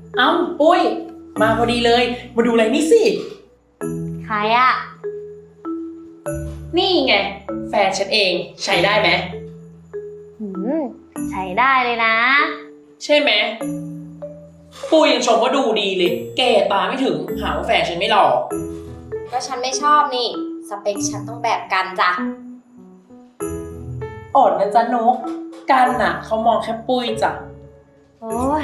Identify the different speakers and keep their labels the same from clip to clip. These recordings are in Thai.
Speaker 1: เอ้าปุ้ยมาพอดีเลยมาดูอะไรนี่สิ
Speaker 2: ใครอะ
Speaker 1: นี่ไงแฟนฉันเองใช้ได้ไหม
Speaker 2: หืมใช้ได้เลยนะ
Speaker 1: ใช่ไหมปุ้ยยังชมว่าดูดีเลยแก่ตาไม่ถึงหาว่าแฟนฉันไม่หล่อ
Speaker 2: ก็ฉันไม่ชอบนี่สเปคฉันต้องแบบกันจ้ะ
Speaker 1: อดนะจ๊ะนกกันน่ะเขามองแค่ปุ้ยจ้ะ
Speaker 2: โอ้ย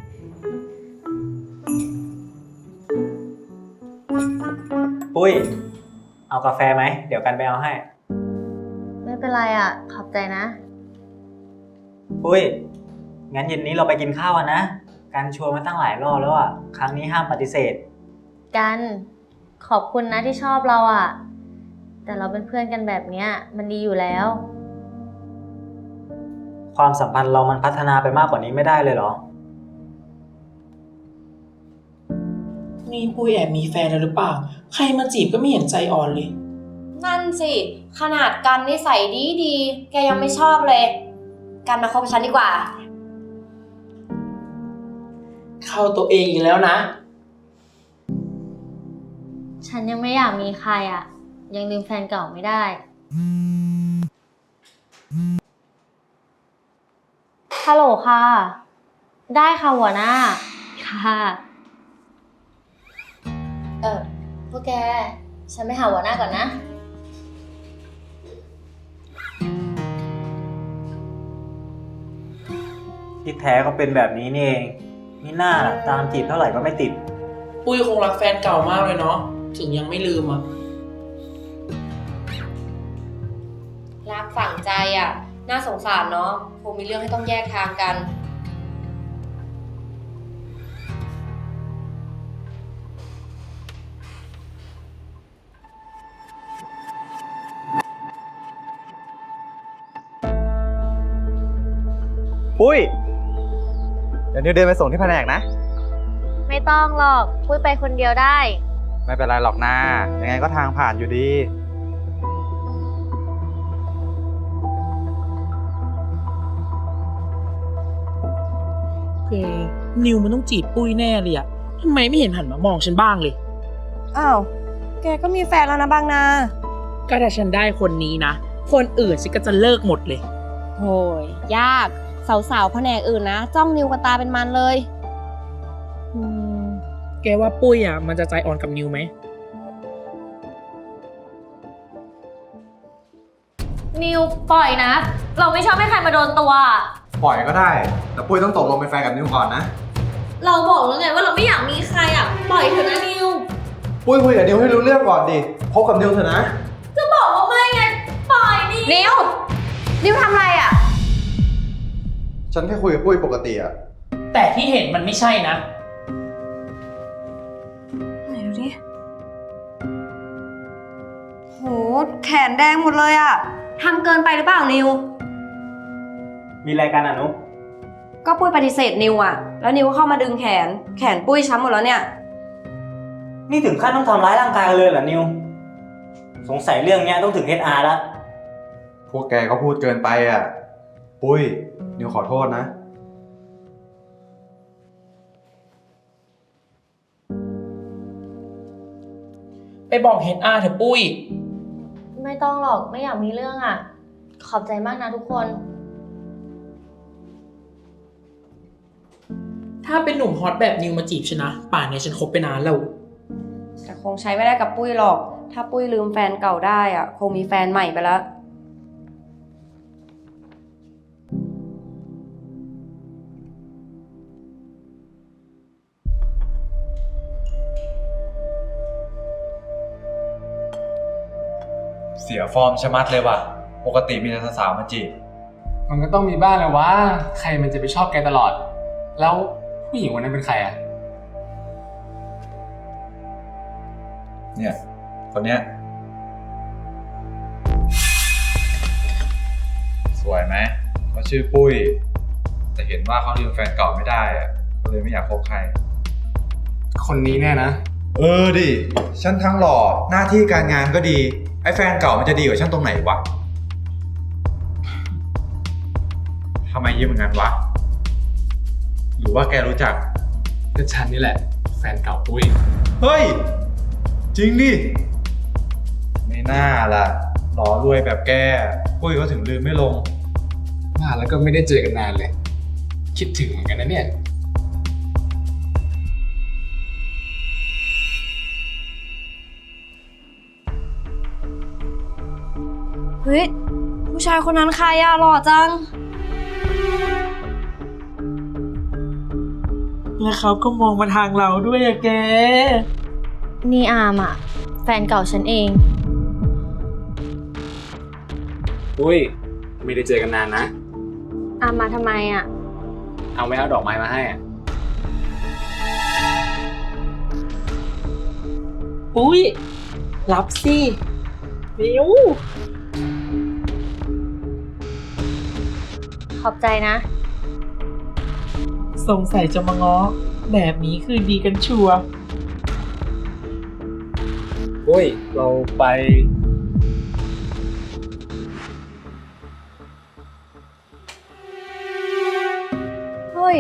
Speaker 3: ปุ้ยเอากาแฟไหมเดี๋ยวกันไปเอาให้
Speaker 2: ไม่เป็นไรอ่ะขอบใจนะ
Speaker 3: ปุ้ยงั้นเย็นนี้เราไปกินข้าวกันนะกันชวนมาตั้งหลายรอบแล้วอ่ะครั้งนี้ห้ามปฏิเสธ
Speaker 2: กันขอบคุณนะที่ชอบเราอ่ะแต่เราเป็นเพื่อนกันแบบเนี้ยมันดีอยู่แล้ว
Speaker 3: ความสัมพันธ์เรามันพัฒนาไปมากกว่านี้ไม่ได้เลยเหรอ
Speaker 1: นี่ปุ้ยแอบมีแฟนแล้วหรือเปล่าใครมาจีบก็ไม่เห็นใจอ่อนเลย
Speaker 2: นั่นสิขนาดกันนิสัยดีแกยังไม่ชอบเลยกันมาคบฉันดีกว่า
Speaker 1: เข้าตัวเองอีกแล้วนะ
Speaker 2: ฉันยังไม่อยากมีใครอ่ะยังลืมแฟนเก่าไม่ได้ฮัลโหลค่ะได้ค่ะหัวหน้าค่ะพวกแกฉันไปหาหัวหน้าก่อนนะ
Speaker 3: ที่แท้ก็เป็นแบบนี้นี่เองนี่น่าตามจีบเท่าไหร่ก็ไม่ติด
Speaker 1: ปุ้ยคงรักแฟนเก่ามากเลยเนาะถึงยังไม่ลืมอ่ะ
Speaker 2: รักฝังใจอ่ะน่าสงสารเนาะคงมีเรื่องให้ต้องแยกทางกัน
Speaker 4: ปุ้ยเดี๋ยวนิวเดินไปส่งที่แผนกนะ
Speaker 2: ไม่ต้องหรอกปุ้ยไปคนเดียวได้
Speaker 4: ไม่เป็นไรหรอกนะยังไงก็ทางผ่านอยู่ดี
Speaker 1: นิวมันต้องจีบปุ้ยแน่เลยอะทำไมไม่เห็นหันมามองฉันบ้างเลย
Speaker 5: อ้าวแกก็มีแฟนแล้วนะบางนา
Speaker 1: ก็ถ้าฉันได้คนนี้นะคนอื่นฉันก็จะเลิกหมดเลย
Speaker 5: โหยยากสาวๆแผนกอื่นนะจ้องนิวกันตาเป็นมันเลย
Speaker 1: แกว่าปุ้ยอะมันจะใจอ่อนกับนิวไหม
Speaker 2: นิวปล่อยนะเราไม่ชอบให้ใครมาโดนตัว
Speaker 4: ปล่อยก็ได้แต่ปุ้ยต้องตกลงเป็นแฟนกับนิวก่อนนะ
Speaker 2: เราบอกแล้วไงว่าเราไม่อยากมีใครอ่ะปล่อยเถอะนะนิว
Speaker 4: ปุ้ยคุยกับนิวให้รู้เรื่องก่อนดิคบกับนิวเถอะนะ
Speaker 2: จะบอกว่าไม่ไงปล่อยนิวทำอะไรอ่ะ
Speaker 4: ฉันแค่คุยกับปุ้ยปกติอะ
Speaker 1: แต่ที่เห็นมันไม่ใช่นะ
Speaker 5: ไหนดูดิโหแขนแดงหมดเลยอะทำเกินไปหรือเปล่านิว
Speaker 3: มีอะไรกันอ่ะนุ๊ก
Speaker 5: ก็ปุ้ยปฏิเสธนิวอะแล้วนิวเข้ามาดึงแขนปุ้ยช้ำหมดแล้วเนี่ย
Speaker 3: นี่ถึงขั้นต้องทำร้ายร่างกายเลยเหรอนิวสงสัยเรื่องนี้ต้องถึง HR แล้ว
Speaker 4: พวกแกก็พูดเกินไปอะปุ้ยนิวขอโทษนะ
Speaker 1: ไปบอกHRเถอะปุ้ย
Speaker 2: ไม่ต้องหรอกไม่อยากมีเรื่องอ่ะขอบใจมากนะทุกคน
Speaker 1: ถ้าเป็นหนุ่มฮอตแบบนิวมาจีบฉันนะป่านนี้ฉันคบไปนานแล้ว
Speaker 5: แต่คงใช้ไม่ได้กับปุ้ยหรอกถ้าปุ้ยลืมแฟนเก่าได้อะคงมีแฟนใหม่ไปแล้ว
Speaker 4: เสียฟอร์มชะมัดเลยว่ะปกติมีแต่สาวมาจีบ
Speaker 6: มันก็ต้องมีบ้างแหละว่าใครมันจะไปชอบแกตลอดแล้วผู้หญิงวันนั้นเป็นใครอ่ะ
Speaker 4: เนี่ยคนเนี้ยสวยไหมเขาชื่อปุ้ยแต่เห็นว่าเขาลืมแฟนเก่าไม่ได้อะก็เลยไม่อยากคบใคร
Speaker 6: คนนี้แน่นะ
Speaker 4: ดิฉันทั้งหล่อหน้าที่การงานก็ดีไอ้แฟนเก่ามันจะดีกว่าฉันตรงไหนวะทำไมยิ้มอย่างนั้นวะหรือว่าแกรู้จัก เ
Speaker 6: ก็ฉันนี่แหละ แฟนเก่าปุ้ย
Speaker 4: เฮ้ย จริงดิ ไม่น่าล่ะหล่อรวยแบบแกปุ้ยเขาถึงลืมไม่ลง
Speaker 6: มาแล้วก็ไม่ได้เจอกันนานเลย คิดถึงเหมือนกันนะเนี่ย
Speaker 5: เฮ้ย ผู้ชายคนนั้นใครอะหล่อจัง
Speaker 1: แล้วเขาก็มองมาทางเราด้วยอะแก
Speaker 2: นี่อามอะแฟนเก่าฉันเอง
Speaker 6: ปุ้ย ไม่ได้เจอกันนานนะ
Speaker 2: อามมาทำไมอะ
Speaker 6: เอาไม่เอาดอกไม้มาให้อะ
Speaker 1: ปุ้ย รับสิมิว
Speaker 2: ขอบใจนะ
Speaker 1: สงสัยจะมาง้อ แบบนี้คือดีกันชัวร์
Speaker 6: ปุ้ย เราไป
Speaker 5: เฮ้ย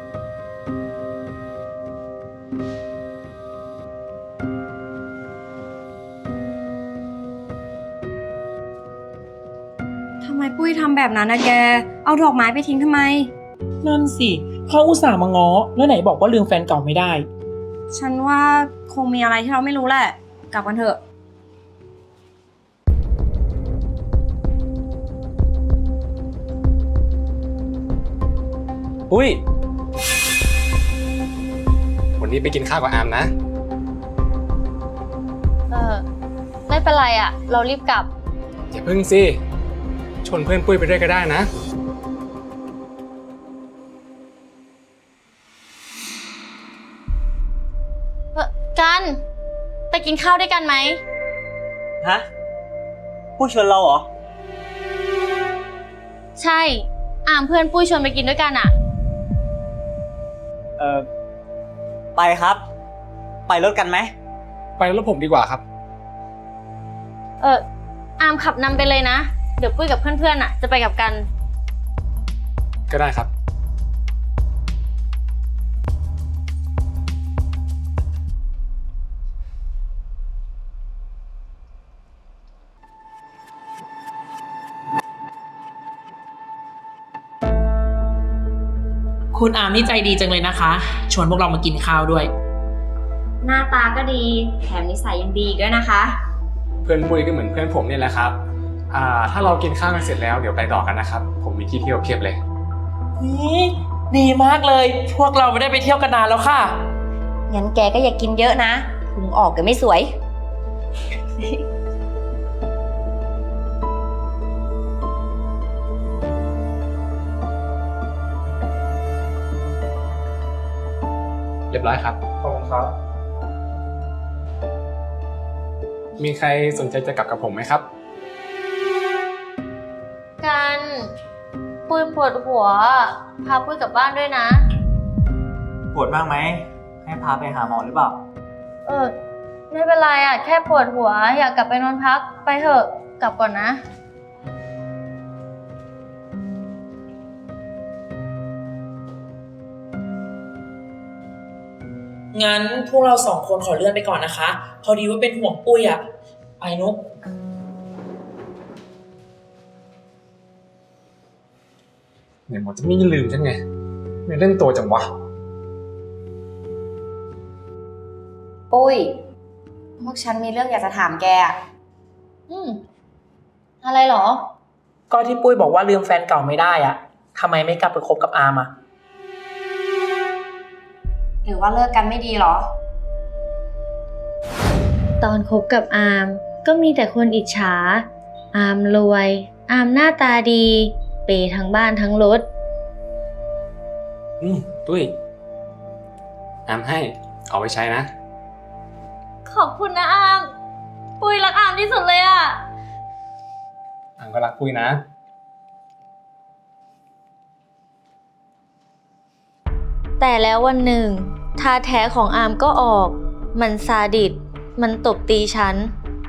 Speaker 5: ทำไมปุ้ยทำแบบนั้นนะแก เอาดอกไม้ไปทิ้งทำไม
Speaker 1: นั่นสิเขาอุตส่าห์มาง้อ แล้วไหนบอกว่าลืมแฟนเก่าไม่ได้
Speaker 5: ฉันว่าคงมีอะไรที่เราไม่รู้แหละ กลับกันเถอะ
Speaker 6: ปุ้ย วันนี้ไปกินข้าวกับอามนะ
Speaker 2: ไม่เป็นไรอะเรารีบกลับ
Speaker 6: อย่าพึ่งสิ ชวนเพื่อนปุ้ยไปด้วยก็ได้นะ
Speaker 2: กันไปกินข้าวด้วยกันไหม
Speaker 3: ฮะปุ้ยชวนเราเหรอ
Speaker 2: ใช่ อามเพื่อนปุ้ยชวนไปกินด้วยกันอะ
Speaker 3: ไปครับ ไปรถกันไหม
Speaker 6: ไปรถผมดีกว่าครับ
Speaker 2: อามขับนำไปเลยนะ เดี๋ยวปุ้ยกับเพื่อนๆอะจะไปกับกัน
Speaker 6: ก็ได้ครับ
Speaker 1: คุณอามนี่ใจดีจังเลยนะคะ ชวนพวกเรามากินข้าวด้วย
Speaker 5: หน้าตาก็ดี แถมนิสัยยังดีอีกด้วยนะคะ
Speaker 6: เพื่อนปุ้ยก็เหมือนเพื่อนผมนี่แหละครับ ถ้าเรากินข้าวกันเสร็จแล้วเดี๋ยวไปต่อกันนะครับ ผมมีที่เที่ยวเพียบเลย
Speaker 1: นี่ดีมากเลย พวกเราไม่ได้ไปเที่ยวกันนานแล้วค่ะ
Speaker 5: งั้นแกก็อย่ากินเยอะนะพุงออกเดี๋ยวไม่สวย
Speaker 6: เรียบร้อยครับ
Speaker 4: ขอบคุณครับ
Speaker 6: มีใครสนใจจะกลับกับผมไหมครับ
Speaker 2: กันปุ้ยปวดหัว พาปุ้ยกลับบ้านด้วยนะ
Speaker 3: ปวดมากไหม ให้พาไปหาหมอหรือเปล่า
Speaker 2: ไม่เป็นไรอะแค่ปวดหัว อยากกลับไปนอนพัก ไปเถอะ กลับก่อนนะ
Speaker 1: งั้นพวกเราสองคนขอเลื่อนไปก่อนนะคะ พอดีว่าเป็นห่วงปุ้ยอะไปนุก
Speaker 6: เนี่ยหมอจะไม่ลืมฉันไง ไม่เล่นตัวจังวะ
Speaker 5: ปุ้ย พวกฉันมีเรื่องอยากจะถามแกอะ
Speaker 2: อะไรเหรอ
Speaker 1: ก็ที่ปุ้ยบอกว่าลืมแฟนเก่าไม่ได้อะทำไมไม่กลับไปคบกับอามอะ
Speaker 5: หรือว่าเลิกกันไม่ดีเหรอ
Speaker 2: ตอนคบกับอามก็มีแต่คนอิจฉา อามรวย อามหน้าตาดี เปย์ทั้งบ้านทั้งรถ
Speaker 6: ปุ้ยอามให้ เอาไว้ใช้นะ
Speaker 2: ขอบคุณนะอาม ปุ้ยรักอามที่สุดเลยอะ
Speaker 6: อามก็รักปุ้ยนะ
Speaker 2: แต่แล้ววันหนึ่งท่าแท้ของอามก็ออก มันซาดิส มันตบตีฉัน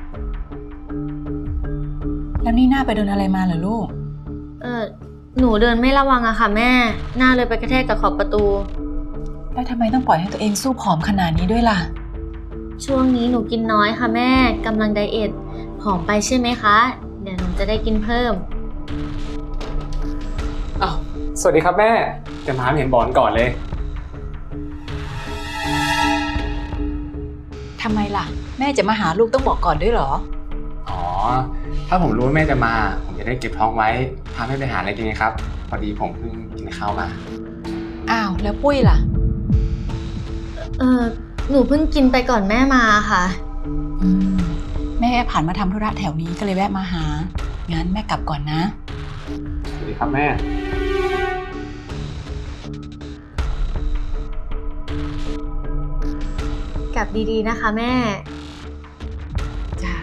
Speaker 7: แล้วนี่หน้าไปโดนอะไรมาเหรอลูก
Speaker 2: หนูเดินไม่ระวังอะค่ะแม่ หน้าเลยไปกระแทกกับขอบประตู
Speaker 7: แต่แล้วทำไมต้องปล่อยให้ตัวเองสู้ผอมขนาดนี้ด้วยล่ะ
Speaker 2: ช่วงนี้หนูกินน้อยค่ะแม่กำลังไดเอทผอมไปใช่ไหมคะ เดี๋ยวหนูจะได้กินเพิ่ม
Speaker 6: อ้าวสวัสดีครับแม่จะมาเห็นบอลก่อนเลย
Speaker 7: ทำไมล่ะ แม่จะมาหาลูกต้องบอกก่อนด้วยเหรอ
Speaker 6: อ๋อ ถ้าผมรู้ว่าแม่จะมา ผมจะได้เก็บท้องไว้พาแม่ไปหาอะไรกินไงครับ พอดีผมเพิ่งกินข้าวมา
Speaker 7: อ้าว แล้วปุ้ยล่ะ
Speaker 2: หนูเพิ่งกินไปก่อนแม่มาค่ะ
Speaker 7: อืม แม่ผ่านมาทำธุระแถวนี้ก็เลยแวะมาหา งั้นแม่กลับก่อนนะ
Speaker 6: สวัสดีครับแม่
Speaker 2: กลับดีๆนะคะแม่
Speaker 7: จ้า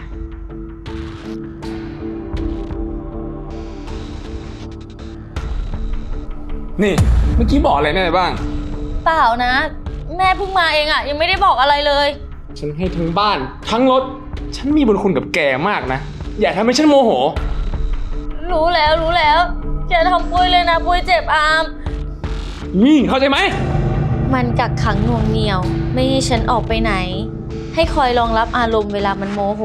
Speaker 6: นี่เมื่อกี้บอกอะไรแม่ไปบ้าง
Speaker 2: เปล่านะ แม่เพิ่งมาเองอะยังไม่ได้บอกอะไรเลย
Speaker 6: ฉันให้ทั้งบ้าน ทั้งรถ ฉันมีบุญคุณกับแกมากนะ อย่าทำให้ฉันโมโห
Speaker 2: รู้แล้วอย่าทำปุ้ยเลยนะปุ้ยเจ็บอาม
Speaker 6: นี่เข้าใจไหม
Speaker 2: มันกักขังหน่วงเหนี่ยว ไม่ให้ฉันออกไปไหน ให้คอยรองรับอารมณ์เวลามันโมโห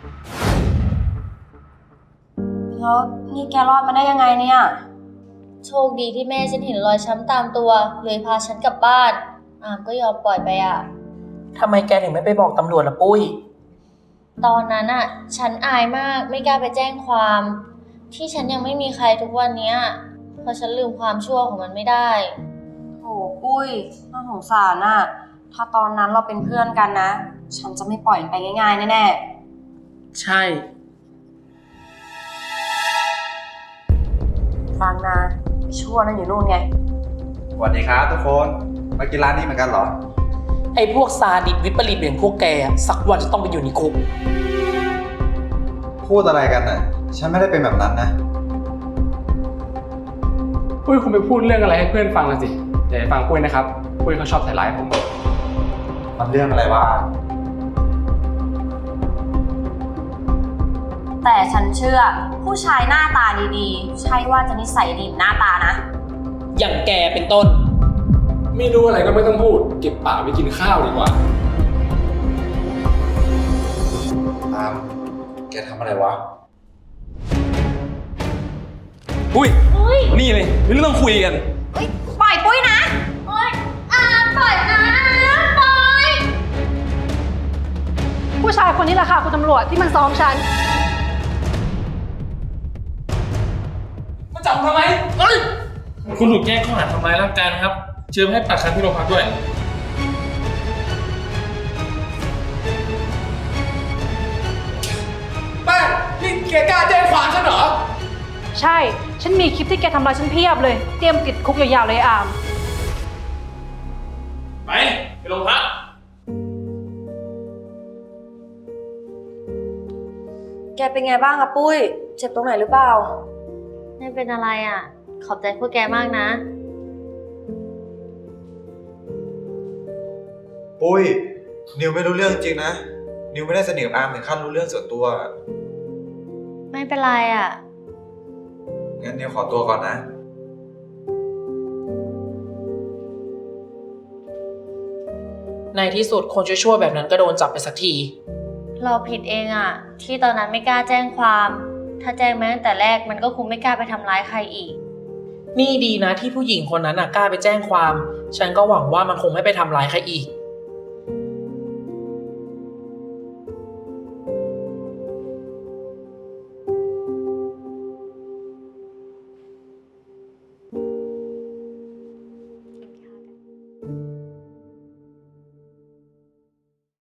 Speaker 5: แล้วนี่แกรอดมาได้ยังไงเนี่ย
Speaker 2: โชคดีที่แม่ฉันเห็นรอยช้ำตามตัว เลยพาฉันกลับบ้าน อามก็ยอมปล่อยไปอะ
Speaker 1: ทำไมแกถึงไม่ไปบอกตำรวจล่ะปุ้ย
Speaker 2: ตอนนั้นอะฉันอายมากไม่กล้าไปแจ้งความ ที่ฉันยังไม่มีใครทุกวันเนี้ยเพราะฉันลืมความชั่วของมันไม่ได้
Speaker 5: โถปุ้ยน่าสงสารน่ะ ถ้าตอนนั้นเราเป็นเพื่อนกันนะ ฉันจะไม่ปล่อยมันไปง่ายๆแน่
Speaker 1: ใช่
Speaker 5: ๆฟังนะไอ้ชั่วนั่นอยู่นู่นไง
Speaker 4: สวัสดีครับทุกคน มากินร้านนี้เหมือนกันเหรอ
Speaker 1: ไอ้พวกซาดิสวิปริตอย่างพวกแกสักวันจะต้องไปอยู่ในคุก
Speaker 4: พูดอะไรกันน่ะ ฉันไม่ได้เป็นแบบนั้นนะ
Speaker 6: ปุ้ยคงไปพูดเรื่องอะไรให้เพื่อนฟังละสิอย่าไปฟังปุ้ยนะครับ ปุ้ยเขาชอบใส่ร้ายผม
Speaker 4: มันเรื่องอะไรวะ
Speaker 5: แต่ฉันเชื่อผู้ชายหน้าตาดีๆ ใช่ว่าจะนิสัยดีหน้าตานะ
Speaker 1: อย่างแกเป็นต้น
Speaker 6: ไม่รู้อะไรก็ไม่ต้องพูด เก็บปากไปกินข้าวดีกว่า
Speaker 4: ตาม แกทำอะไรวะ
Speaker 6: ปุ้ย นี่เลยมีเรื่องต้องคุยกัน
Speaker 5: ปล่อยปุ้ยนะ
Speaker 8: ผู้ชายคนนี้แหละค่ะคุณตำรวจที่มันซ้อมฉัน
Speaker 6: มาจับทำไม
Speaker 9: คุณถูกแจ้งข้อหาทำร้ายร่างกายนะครับ เชิญให้ปากคำที่โรงพักด้วย
Speaker 6: แป้งนี่แกกล้าแจ้งความฉันเหรอ
Speaker 8: ใช่ ฉันมีคลิปที่แกทำร้ายฉันเพียบเลย เตรียมติดคุกยาวๆเลยอาม
Speaker 9: ไปโรงพัก
Speaker 5: แกเป็นไงบ้างอะปุ้ย เจ็บตรงไหนหรือเปล่า
Speaker 2: ไม่เป็นอะไรอะขอบใจพวกแกมากนะ
Speaker 4: ปุ้ย นิวไม่รู้เรื่องจริงนะ นิวไม่ได้สนิทกับอาร์มถึงขั้นรู้เรื่องส่วนตัว
Speaker 2: ไม่เป็นไรอะ
Speaker 4: งั้นนิวขอตัวก่อนนะ
Speaker 1: ในที่สุดคนชั่วๆแบบนั้นก็โดนจับไปสักที
Speaker 2: เราผิดเองอะที่ตอนนั้นไม่กล้าแจ้งความ ถ้าแจ้งมาตั้งแต่แรกมันก็คงไม่กล้าไปทำร้ายใครอีก
Speaker 1: นี่ดีนะที่ผู้หญิงคนนั้นกล้าไปแจ้งความ ฉันก็หวังว่ามันคงไม่ไปทำร้ายใครอีก